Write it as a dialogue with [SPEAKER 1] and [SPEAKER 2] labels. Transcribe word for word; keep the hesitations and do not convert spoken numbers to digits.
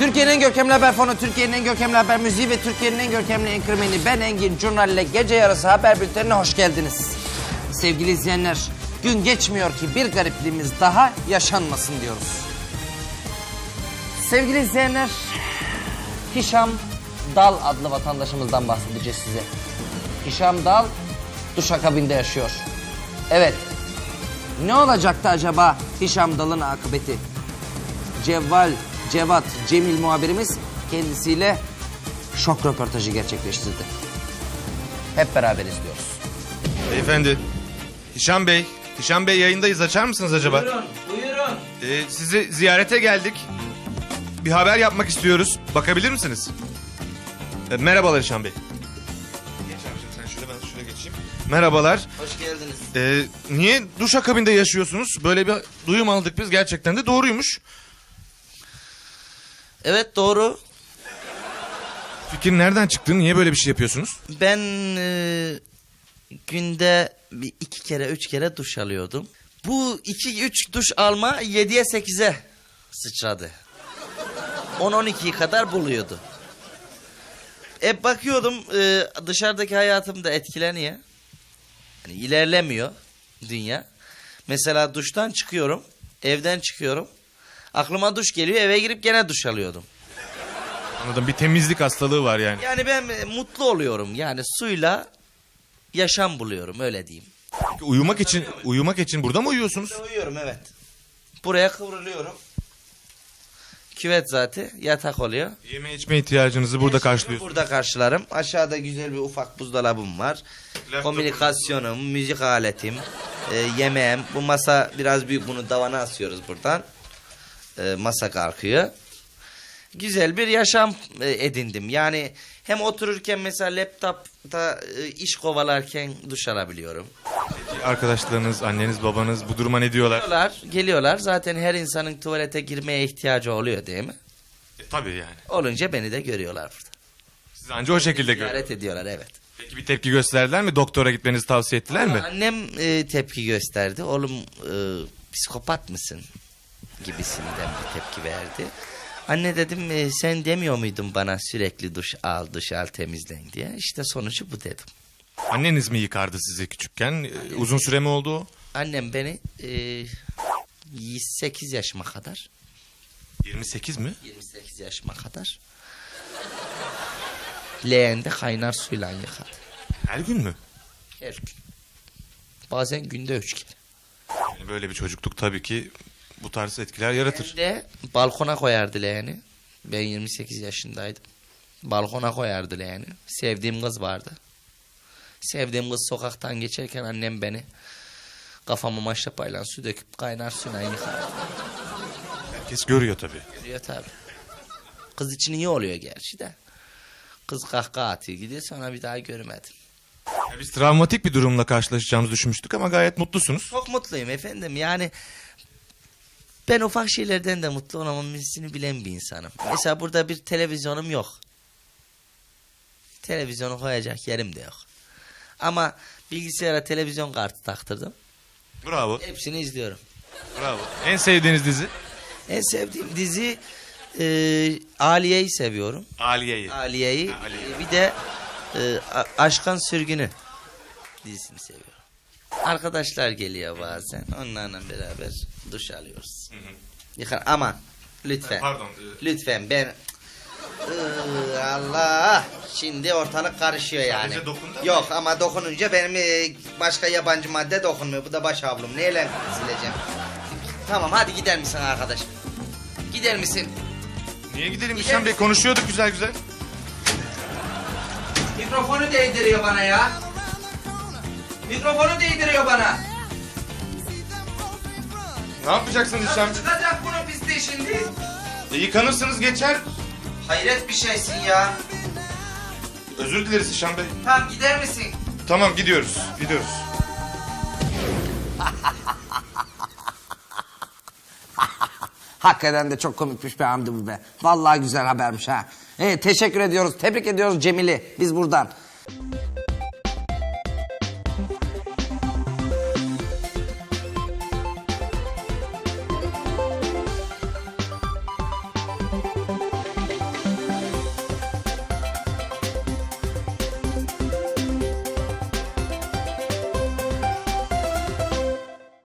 [SPEAKER 1] Türkiye'nin en görkemli haber fonu, Türkiye'nin en görkemli haber müziği ve Türkiye'nin en görkemli enkırmeni ben Engin Curnal ile gece yarısı haber bültenine hoş geldiniz. Sevgili izleyenler, gün geçmiyor ki bir garipliğimiz daha yaşanmasın diyoruz. Sevgili izleyenler, Hişam Dal adlı vatandaşımızdan bahsedeceğiz size. Hişam Dal duşakabinde yaşıyor. Evet, ne olacaktı acaba Hişam Dal'ın akıbeti? Cevval, Cevat, Cemil muhabirimiz kendisiyle şok röportajı gerçekleştirdi. Hep beraber izliyoruz.
[SPEAKER 2] Beyefendi, Hişam Bey, Hişam Bey yayındayız. Açar mısınız acaba?
[SPEAKER 1] Buyurun, buyurun.
[SPEAKER 2] Ee, sizi ziyarete geldik. Bir haber yapmak istiyoruz. Bakabilir misiniz? Ee, merhabalar Hişam Bey. Geç abicim sen şöyle, ben şöyle geçeyim. Merhabalar.
[SPEAKER 1] Hoş geldiniz.
[SPEAKER 2] Ee, niye duşakabinde yaşıyorsunuz? Böyle bir duyum aldık biz, gerçekten de doğruymuş.
[SPEAKER 3] Evet doğru.
[SPEAKER 2] Fikir nereden çıktı? Niye böyle bir şey yapıyorsunuz?
[SPEAKER 3] Ben e, günde bir iki kere üç kere duş alıyordum. Bu iki üç duş alma yediye sekize sıçradı. on on ikiyi kadar buluyordu. E bakıyordum e, dışarıdaki hayatım da etkileniyor. Yani ilerlemiyor dünya. Mesela duştan çıkıyorum, evden çıkıyorum. Aklıma duş geliyor, eve girip gene duş alıyordum.
[SPEAKER 2] Anladım, bir temizlik hastalığı var yani.
[SPEAKER 3] Yani ben e, mutlu oluyorum. Yani suyla yaşam buluyorum, öyle diyeyim.
[SPEAKER 2] Peki uyumak için uyumak için burada mı uyuyorsunuz?
[SPEAKER 3] Uyuyorum evet. Buraya kıvrılıyorum. Küvet zaten yatak oluyor.
[SPEAKER 2] Yeme içme ihtiyacınızı burada karşılıyorsunuz.
[SPEAKER 3] Burada karşılarım. Aşağıda güzel bir ufak buzdolabım var.
[SPEAKER 2] Laptop.
[SPEAKER 3] Komünikasyonum, müzik aletim, e, yemeğim. Bu masa biraz büyük, bunu davana asıyoruz buradan. E, masa kalkıyor. Güzel bir yaşam e, edindim. Yani hem otururken mesela laptopta e, iş kovalarken duş alabiliyorum.
[SPEAKER 2] Arkadaşlarınız, anneniz, babanız bu duruma ne diyorlar?
[SPEAKER 3] Geliyorlar, geliyorlar. Zaten her insanın tuvalete girmeye ihtiyacı oluyor değil mi?
[SPEAKER 2] E, tabii yani.
[SPEAKER 3] Olunca beni de görüyorlar burada.
[SPEAKER 2] Siz anca o şekilde görüyorsunuz.
[SPEAKER 3] Ziyaret ediyorlar evet.
[SPEAKER 2] Peki bir tepki gösterdiler mi? Doktora gitmenizi tavsiye ettiler mi?
[SPEAKER 3] Annem e, tepki gösterdi. Oğlum e, psikopat mısın? Gibisinden bir tepki verdi. Anne dedim e, sen demiyor muydun bana sürekli duş al, duş al, temizlen diye. İşte sonucu bu dedim.
[SPEAKER 2] Anneniz mi yıkardı sizi küçükken? E, uzun süre mi oldu o?
[SPEAKER 3] Annem beni e, yirmi sekiz yaşıma kadar,
[SPEAKER 2] yirmi sekiz mi?
[SPEAKER 3] yirmi sekiz yaşıma kadar leğende kaynar suyla yıkadı.
[SPEAKER 2] Her gün mü?
[SPEAKER 3] Her gün. Bazen günde üç kere.
[SPEAKER 2] Yani böyle bir çocukluk tabii ki bu tarz etkiler yaratır.
[SPEAKER 3] Hem de balkona koyardı leğeni. Ben yirmi sekiz yaşındaydım. Balkona koyardı leğeni. Sevdiğim kız vardı. Sevdiğim kız sokaktan geçerken annem beni kafama maşrapayla su döküp kaynar suyla yıkardı.
[SPEAKER 2] Herkes görüyor tabii.
[SPEAKER 3] Görüyor tabii. Kız için iyi oluyor gerçi de. Kız kahkaha atıyor gidiyor, sonra bir daha görmedim.
[SPEAKER 2] Ya biz travmatik bir durumla karşılaşacağımızı düşünmüştük ama gayet mutlusunuz.
[SPEAKER 3] Çok mutluyum efendim, yani ben ufak şeylerden de mutlu olmamızını bilen bir insanım. Mesela burada bir televizyonum yok. Televizyonu koyacak yerim de yok. Ama bilgisayara televizyon kartı taktırdım.
[SPEAKER 2] Bravo,
[SPEAKER 3] Hepsini izliyorum.
[SPEAKER 2] bravo. En sevdiğiniz dizi?
[SPEAKER 3] En sevdiğim dizi e, Aliye'yi seviyorum.
[SPEAKER 2] Aliye'yi.
[SPEAKER 3] Aliye'yi.
[SPEAKER 2] Ha, Aliye.
[SPEAKER 3] E, bir de e, A- Aşkın Sürgünü dizisini seviyorum. Arkadaşlar geliyor bazen. Onlarla beraber duş alıyoruz. Yıkar ama lütfen.
[SPEAKER 2] Pardon.
[SPEAKER 3] Lütfen ben Iı, Allah, şimdi ortalık karışıyor yani.
[SPEAKER 2] Sadece dokundun mu?
[SPEAKER 3] Yok ama dokununca benim e, başka yabancı madde dokunmuyor. Bu da baş havlum. Neyle sileceğim? Tamam hadi gider misin arkadaş? Gider misin?
[SPEAKER 2] Niye gidelim Hişam Bey? Konuşuyorduk güzel güzel.
[SPEAKER 1] Mikrofonu değdiriyor bana ya. Mikrofonu değdiriyor bana.
[SPEAKER 2] Ne yapacaksın Hişam?
[SPEAKER 1] Çıkacak bunu piste şimdi.
[SPEAKER 2] E, yıkanırsınız geçer.
[SPEAKER 1] Hayret bir şeysin ya.
[SPEAKER 2] Özür dileriz Hişam Bey.
[SPEAKER 1] Tamam gider misin?
[SPEAKER 2] Tamam gidiyoruz. Gidiyoruz.
[SPEAKER 1] Hakikaten de çok komikmiş be Hamdi bu be. Vallahi güzel habermiş ha. Evet, teşekkür ediyoruz. Tebrik ediyoruz Cemil'i biz buradan.